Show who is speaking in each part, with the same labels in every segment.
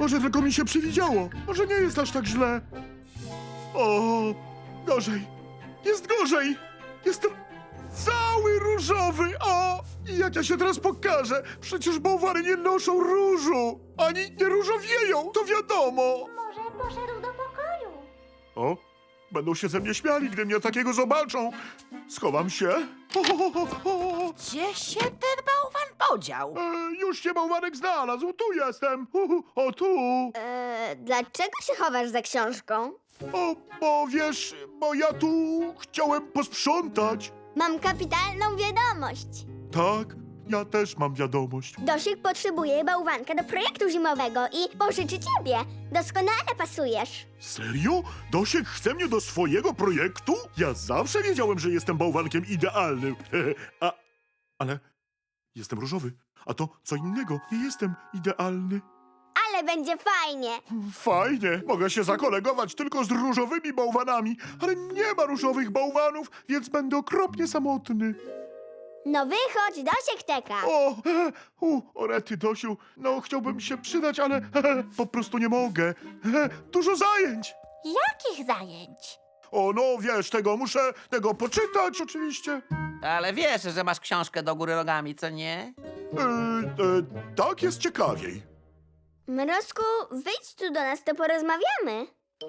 Speaker 1: Może tylko mi się przywidziało. Może nie jest aż tak źle. O, gorzej. Jest gorzej. Jestem cały różowy. O, i jak ja się teraz pokażę? Przecież bałwary nie noszą różu. Ani nie różowieją, to wiadomo.
Speaker 2: Może poszedł do pokoju?
Speaker 1: O, będą się ze mnie śmiali, gdy mnie takiego zobaczą. Schowam się.
Speaker 3: Gdzie się ten bałwan podział?
Speaker 1: Już się bałwanek znalazł. Tu jestem. O, tu.
Speaker 2: Dlaczego się chowasz za książką?
Speaker 1: O, bo wiesz, bo ja tu chciałem posprzątać.
Speaker 2: Mam kapitalną wiadomość.
Speaker 1: Tak, ja też mam wiadomość.
Speaker 2: Dosiek potrzebuje bałwanka do projektu zimowego i pożyczy ciebie. Doskonale pasujesz.
Speaker 1: Serio? Dosiek chce mnie do swojego projektu? Ja zawsze wiedziałem, że jestem bałwankiem idealnym. Ale jestem różowy, a to co innego. Nie jestem idealny.
Speaker 2: Ale będzie fajnie.
Speaker 1: Fajnie, mogę się zakolegować tylko z różowymi bałwanami, ale nie ma różowych bałwanów, więc będę okropnie samotny.
Speaker 2: No wychodź, Dosiek czeka.
Speaker 1: O rety, Dosiu, no chciałbym się przydać, ale po prostu nie mogę. Dużo zajęć.
Speaker 3: Jakich zajęć?
Speaker 1: O, no wiesz, muszę tego poczytać oczywiście.
Speaker 4: Ale wiesz, że masz książkę do góry nogami, co nie?
Speaker 1: Tak jest ciekawiej.
Speaker 2: Mrozku, wyjdź tu do nas, to porozmawiamy.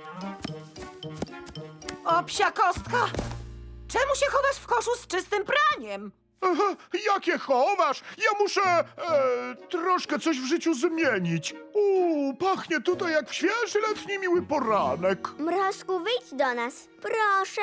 Speaker 3: O, psia kostka! Czemu się chowasz w koszu z czystym praniem?
Speaker 1: Jakie chowasz? Ja muszę troszkę coś w życiu zmienić. Pachnie tutaj jak świeży letni miły poranek.
Speaker 2: Mrozku, wyjdź do nas, proszę.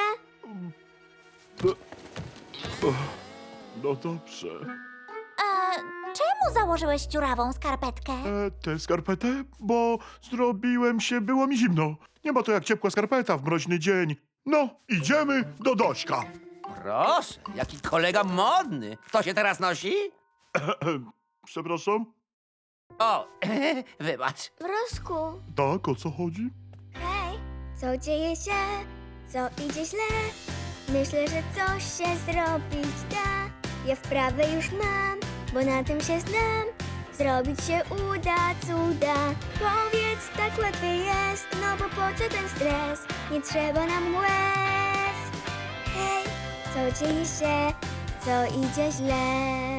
Speaker 1: No dobrze.
Speaker 3: Czemu założyłeś dziurawą skarpetkę?
Speaker 1: Tę skarpetę? Bo zrobiłem się, było mi zimno. Nie ma to jak ciepła skarpeta w mroźny dzień. No, idziemy do Dośka.
Speaker 4: Proszę, jaki kolega modny. Kto się teraz nosi?
Speaker 1: Przepraszam?
Speaker 4: O, wybacz.
Speaker 2: Mrozku,
Speaker 1: Tak, o co chodzi?
Speaker 2: hej. Co dzieje się? Co idzie źle? Myślę, że coś się zrobić da. Ja wprawę już mam, bo na tym się znam. Zrobić się uda cuda. Powiedz, tak łatwiej jest, no bo po co ten stres? Nie trzeba nam łez. Hej, co dzieje się? Co idzie źle?